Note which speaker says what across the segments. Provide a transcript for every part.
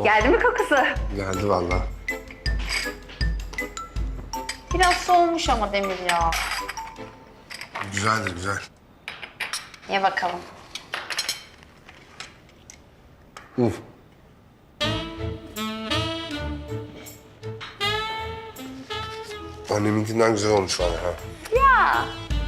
Speaker 1: Geldi mi kokusu?
Speaker 2: Geldi vallahi.
Speaker 1: Biraz soğumuş ama Demir ya.
Speaker 2: Güzeldir, güzel.
Speaker 1: Ye bakalım.
Speaker 2: Uf. Anneminkinden güzel olmuş valla ha.
Speaker 1: Ya.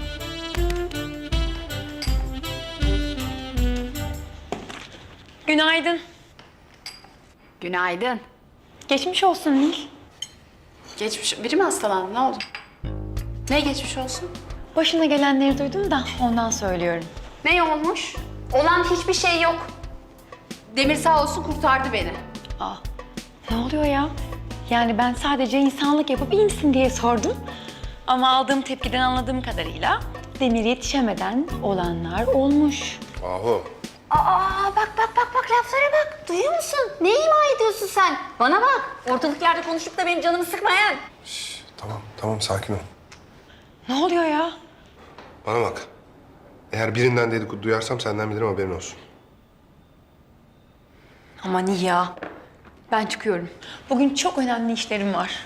Speaker 3: Günaydın.
Speaker 1: Günaydın.
Speaker 3: Geçmiş olsun Nil.
Speaker 1: Biri mi hastalandı? Ne oldu? Ne geçmiş olsun?
Speaker 3: Başına gelenleri duydum da ondan söylüyorum.
Speaker 1: Ne olmuş? Olan hiçbir şey yok. Demir sağ olsun kurtardı beni.
Speaker 3: Aa, ne oluyor ya? Yani ben sadece insanlık yapıp iyi misin diye sordum. Ama aldığım tepkiden anladığım kadarıyla Demir yetişemeden olanlar olmuş.
Speaker 2: Ahu.
Speaker 1: Aa bak laflara bak. Duyuyor musun? Ne ima ediyorsun sen? Bana bak. Ortalık yerde konuşup da benim canımı sıkmayan.
Speaker 2: Tamam sakin ol.
Speaker 3: Ne oluyor ya?
Speaker 2: Bana bak. Eğer birinden dedikodu duyarsam senden bilirim, haberin olsun.
Speaker 3: Aman iyi ya. Ben çıkıyorum. Bugün çok önemli işlerim var.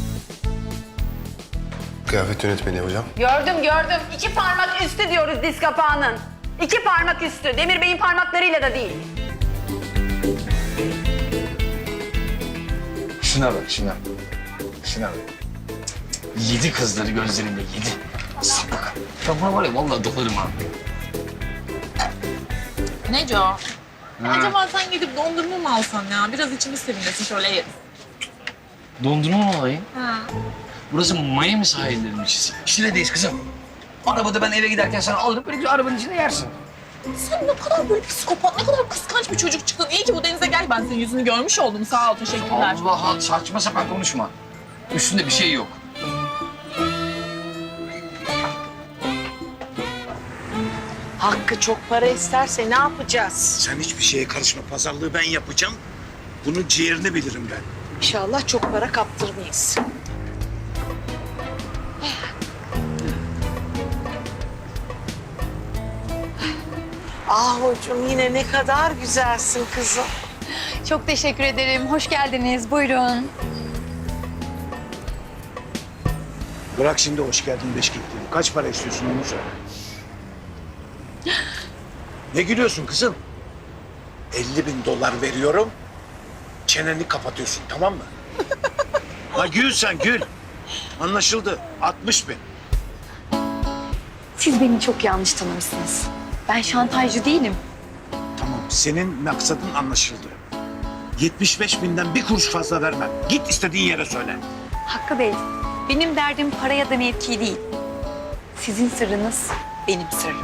Speaker 2: Kıyafet yönetmeni yapacağım.
Speaker 1: Gördüm. 2 parmak üstü diyoruz diz kapağının. 2 parmak üstü. Demir Bey'in parmaklarıyla da değil.
Speaker 4: Şuna bak, şuna. Şuna bak. Yedi kızları gözlerimle, yedi. Sapık. Ben buna var ya vallahi dolarım ha.
Speaker 5: Neco? Acaba sen gidip dondurma mı alsan ya? Biraz içimiz serinlesin şöyle yeriz.
Speaker 4: Dondurma mı olayım?
Speaker 5: Ha.
Speaker 4: Burası Miami sahilleriymiş. Şile'deyiz kızım. Arabada ben eve giderken sana alırım, böyle bir arabanın içinde yersin.
Speaker 5: Sen ne kadar böyle psikopat, ne kadar kıskanç bir çocuk çıktın. İyi ki bu denize gel. Ben senin yüzünü görmüş oldum. Sağ ol, teşekkürler.
Speaker 4: Allah, saçma sapan konuşma. Üstünde bir şey yok.
Speaker 6: Hakkı çok para isterse ne yapacağız?
Speaker 7: Sen hiçbir şeye karışma. Pazarlığı ben yapacağım. Bunun ciğerini bilirim ben.
Speaker 6: İnşallah çok para kaptırmayız. Ahucum yine ne kadar güzelsin kızım.
Speaker 3: Çok teşekkür ederim. Hoş geldiniz. Buyurun.
Speaker 7: Bırak şimdi hoş geldin beşikliğini. Kaç para istiyorsun onu söyle. Ne gülüyorsun kızım? 50.000 dolar veriyorum. Çeneni kapatıyorsun, tamam mı? Ha gül sen gül. Anlaşıldı. 60.000.
Speaker 3: Siz beni çok yanlış tanımışsınız. Ben şantajcı değilim.
Speaker 7: Tamam, senin maksadın anlaşıldı. 75.000'den bir kuruş fazla vermem. Git istediğin yere söyle.
Speaker 3: Hakkı Bey, benim derdim para ya da mevki değil. Sizin sırrınız benim sırrım.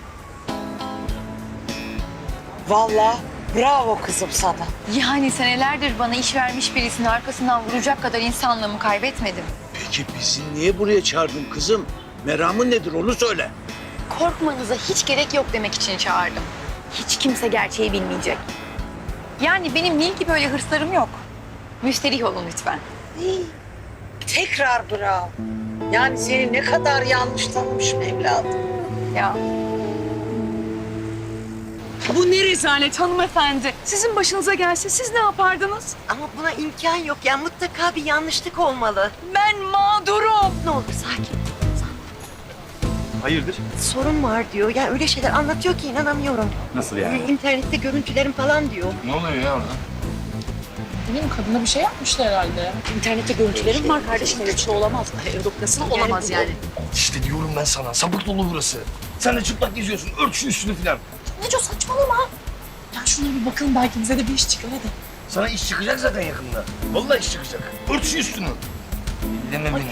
Speaker 6: Vallahi bravo kızım sana.
Speaker 3: Yani senelerdir bana iş vermiş birisinin arkasından vuracak kadar insanlığımı kaybetmedim.
Speaker 7: Peki bizi niye buraya çağırdın kızım? Meramın nedir onu söyle.
Speaker 3: Korkmanıza hiç gerek yok demek için çağırdım. Hiç kimse gerçeği bilmeyecek. Yani benim Nil gibi öyle hırslarım yok. Müsterih olun lütfen.
Speaker 6: Tekrar bravo. Yani seni ne kadar yanlış tanımışım evladım.
Speaker 3: Ya.
Speaker 8: Bu ne rezalet hanımefendi. Sizin başınıza gelse siz ne yapardınız?
Speaker 9: Ama buna imkan yok. Yani mutlaka bir yanlışlık olmalı.
Speaker 8: Ben mağdurum.
Speaker 9: Ne olur sakin.
Speaker 4: Hayırdır?
Speaker 9: Sorun var diyor. Yani öyle şeyler anlatıyor ki inanamıyorum.
Speaker 4: Nasıl yani?
Speaker 9: İnternette görüntülerim falan diyor.
Speaker 4: Ne oluyor ya orada?
Speaker 5: Benim kadına bir şey yapmışlar herhalde.
Speaker 6: İnternette görüntülerim var kardeşim. Öyle bir şey olamaz. Nasıl olamaz yani?
Speaker 4: İşte diyorum ben sana, sapık dolu burası. Sen de çıplak geziyorsun, ört şu üstünü filan.
Speaker 5: Neco saçmalama. Ya şuna bir bakın belki bize de bir iş çıkar hadi.
Speaker 4: Sana iş çıkacak zaten yakında. Vallahi iş çıkacak. Ört şu üstünü. Dinle beni.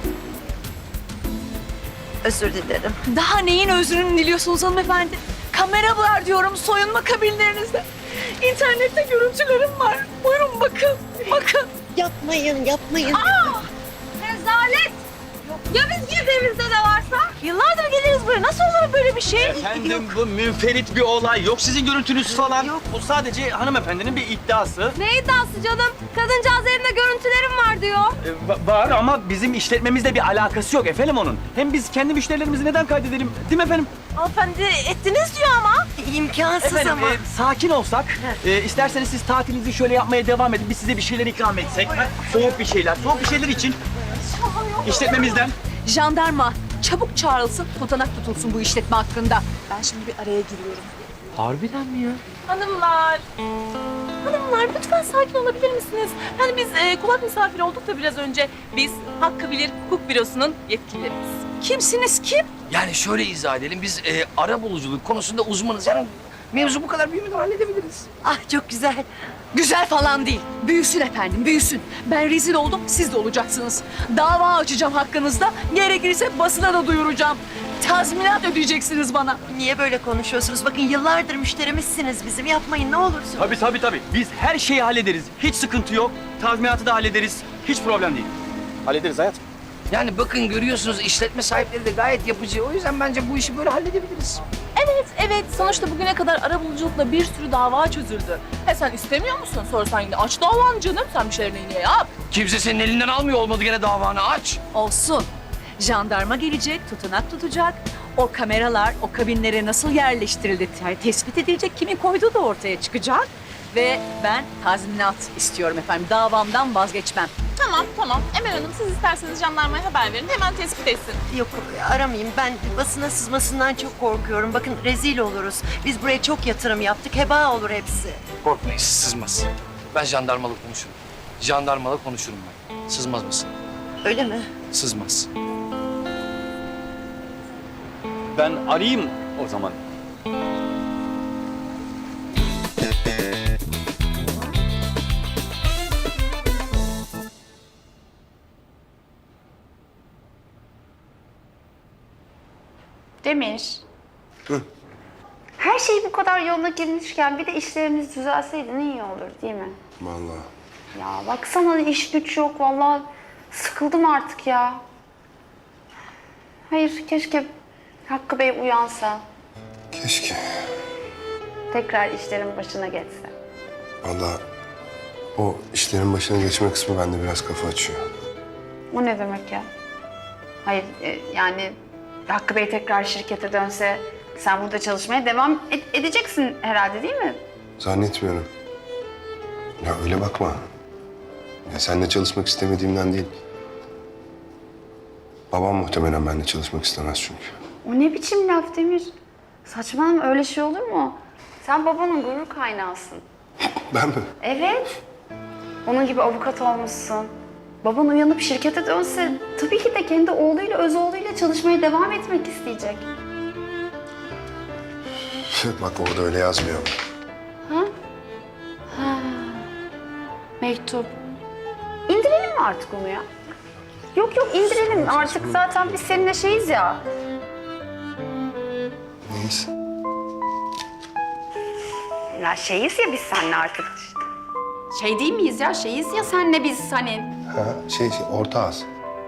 Speaker 9: Özür dilerim.
Speaker 8: Daha neyin özrünü diliyorsunuz hanımefendi? Kamera var diyorum soyunma kabinlerinizde. İnternette görüntülerim var. Buyurun bakın. Bakın.
Speaker 9: Yapmayın.
Speaker 8: Rezalet. Ya biz girdiğimizde de varsa? Yıllardır geliriz buraya. Nasıl olur böyle bir şey?
Speaker 10: Efendim bu münferit bir olay. Yok sizin görüntünüz falan. Yok. Bu sadece hanımefendinin bir iddiası.
Speaker 8: Ne iddiası canım? Kadıncağız elimde görüntülerim var diyor.
Speaker 10: Var ama bizim işletmemizle bir alakası yok efendim onun. Hem biz kendi müşterilerimizi neden kaydedelim? Değil mi efendim?
Speaker 8: Hanımefendi ettiniz diyor ama.
Speaker 6: İmkansız
Speaker 10: Efendim
Speaker 6: ama.
Speaker 10: sakin olsak, isterseniz siz tatilinizi şöyle yapmaya devam edin. Biz size bir şeyler ikram etsek. Soğuk bir şeyler için işletmemizden.
Speaker 8: Jandarma çabuk çağrılsın, tutanak tutulsun bu işletme hakkında.
Speaker 5: Ben şimdi bir araya giriyorum.
Speaker 10: Harbiden mi ya?
Speaker 5: Hanımlar. Hanımlar lütfen sakin olabilir misiniz? Yani biz kulak misafiri olduk da biraz önce. Biz Hakkı Bilir Hukuk Bürosu'nun yetkilileriyiz.
Speaker 8: Kimsiniz kim?
Speaker 4: Yani şöyle izah edelim. Biz ara buluculuk konusunda uzmanız. Yani mevzu bu kadar büyümeden halledebiliriz.
Speaker 6: Ah çok güzel.
Speaker 8: Güzel falan değil. Büyüsün efendim, büyüsün. Ben rezil oldum, siz de olacaksınız. Dava açacağım hakkınızda. Gerekirse basına da duyuracağım. Tazminat ödeyeceksiniz bana.
Speaker 6: Niye böyle konuşuyorsunuz? Bakın yıllardır müşterimizsiniz bizim. Yapmayın ne olursun.
Speaker 10: Tabii. Biz her şeyi hallederiz. Hiç sıkıntı yok. Tazminatı da hallederiz. Hiç problem değil. Hallederiz hayatım.
Speaker 4: Yani bakın görüyorsunuz işletme sahipleri de gayet yapıcı. O yüzden bence bu işi böyle halledebiliriz.
Speaker 5: Evet. Sonuçta bugüne kadar arabuluculukla bir sürü dava çözüldü. Sen istemiyor musun? Sorsan yine aç davanı canım. Sen bir şeylerini yine yap.
Speaker 4: Kimse senin elinden almıyor olmadı gene davanı aç.
Speaker 8: Olsun. Jandarma gelecek, tutanak tutacak. O kameralar, o kabinlere nasıl yerleştirildi tespit edilecek. Kimin koyduğu da ortaya çıkacak. Ve ben tazminat istiyorum efendim. Davamdan vazgeçmem.
Speaker 5: Tamam. Emel Hanım siz isterseniz jandarmaya haber verin. Hemen tespit etsin.
Speaker 6: Yok aramayayım. Ben basına sızmasından çok korkuyorum. Bakın rezil oluruz. Biz buraya çok yatırım yaptık. Heba olur hepsi.
Speaker 4: Korkmayın sızmaz. Ben jandarmalı konuşurum. Jandarmalı konuşurum ben. Sızmaz mısın?
Speaker 6: Öyle mi?
Speaker 4: Sızmaz.
Speaker 10: Ben arayayım o zaman.
Speaker 1: Demir. Her şey bu kadar yoluna girmişken bir de işlerimiz düzelseydi ne iyi olur değil mi?
Speaker 2: Vallahi.
Speaker 1: Ya baksana iş güç yok vallahi sıkıldım artık ya. Hayır keşke Hakkı Bey uyansa,
Speaker 2: Keşke.
Speaker 1: tekrar işlerin başına geçse.
Speaker 2: Vallahi o işlerin başına geçme kısmı bende biraz kafa açıyor.
Speaker 1: O ne demek ya? Hayır yani Hakkı Bey tekrar şirkete dönse sen burada çalışmaya devam edeceksin herhalde değil mi?
Speaker 2: Zannetmiyorum. Ya öyle bakma. Ya seninle çalışmak istemediğimden değil. Babam muhtemelen benimle çalışmak istemez çünkü.
Speaker 1: O ne biçim laf Demir? Saçmalama öyle şey olur mu? Sen babanın gurur kaynağısın.
Speaker 2: Ben mi?
Speaker 1: Evet. Onun gibi avukat olmuşsun. Baban uyanıp şirkete dönse tabii ki de kendi oğluyla, öz oğluyla çalışmaya devam etmek isteyecek.
Speaker 2: Bak orada öyle yazmıyor.
Speaker 1: Mektup. İndirelim mi artık onu ya? Yok indirelim artık zaten biz seninle şeyiz ya.
Speaker 2: Neyiz?
Speaker 1: Ya şeyiz ya biz seninle artık işte. Şey değil miyiz ya? Şeyiz ya senle biz hani.
Speaker 2: Ha, şey orta ağız.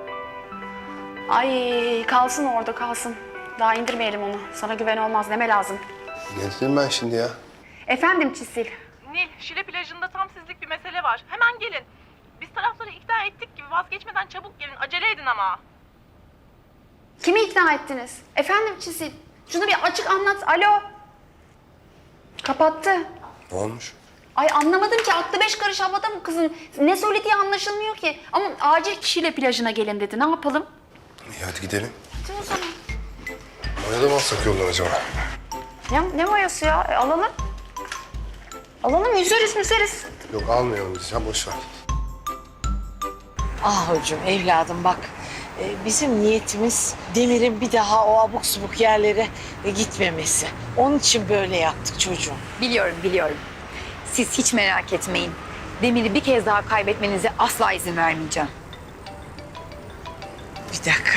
Speaker 1: Ay kalsın orada kalsın. Daha indirmeyelim onu. Sana güven olmaz. Neme lazım?
Speaker 2: Ne dedim ben şimdi ya?
Speaker 1: Efendim Çisil.
Speaker 5: Nil, Şile plajında tam sizlik bir mesele var. Hemen gelin. Biz tarafları ikna ettik gibi vazgeçmeden çabuk gelin. Acele edin ama.
Speaker 1: Kimi ikna ettiniz? Efendim Çisil. Şunu bir açık anlat. Alo. Kapattı.
Speaker 2: Ne olmuş?
Speaker 1: Ay anlamadım ki aklı beş karış havada mı kızın? Ne söylediği anlaşılmıyor ki. Ama acil Şile plajına gelin dedi. Ne yapalım?
Speaker 2: İyi hadi gidelim.
Speaker 1: Hadi o zaman.
Speaker 2: Oraya da mı alsak yoldan acaba?
Speaker 1: Ne mayası ya? Alalım. Alalım yüzeriz.
Speaker 2: Yok almayalım biz ya boş ver.
Speaker 6: Ah hocam evladım bak. Bizim niyetimiz Demir'in bir daha o abuk subuk yerlere gitmemesi. Onun için böyle yaptık çocuğum.
Speaker 3: Biliyorum. Siz hiç merak etmeyin. Demir'i bir kez daha kaybetmenize asla izin vermeyeceğim.
Speaker 6: Bir dakika.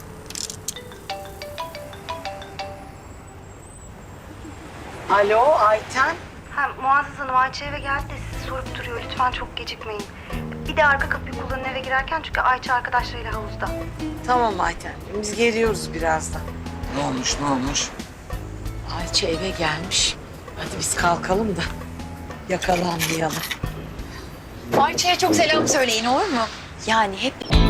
Speaker 6: Alo Ayten.
Speaker 11: Muazzez Hanım Ayça eve geldi de sizi sorup duruyor. Lütfen çok gecikmeyin. Bir de arka kapıyı kullanın eve girerken çünkü Ayça arkadaşlarıyla havuzda.
Speaker 6: Tamam Ayten. Biz geliyoruz birazdan.
Speaker 4: Ne olmuş?
Speaker 6: Ayça eve gelmiş. Hadi biz kalkalım da yakalanmayalım.
Speaker 3: Ayça'ya çok selam söyleyin olur mu? Yani hep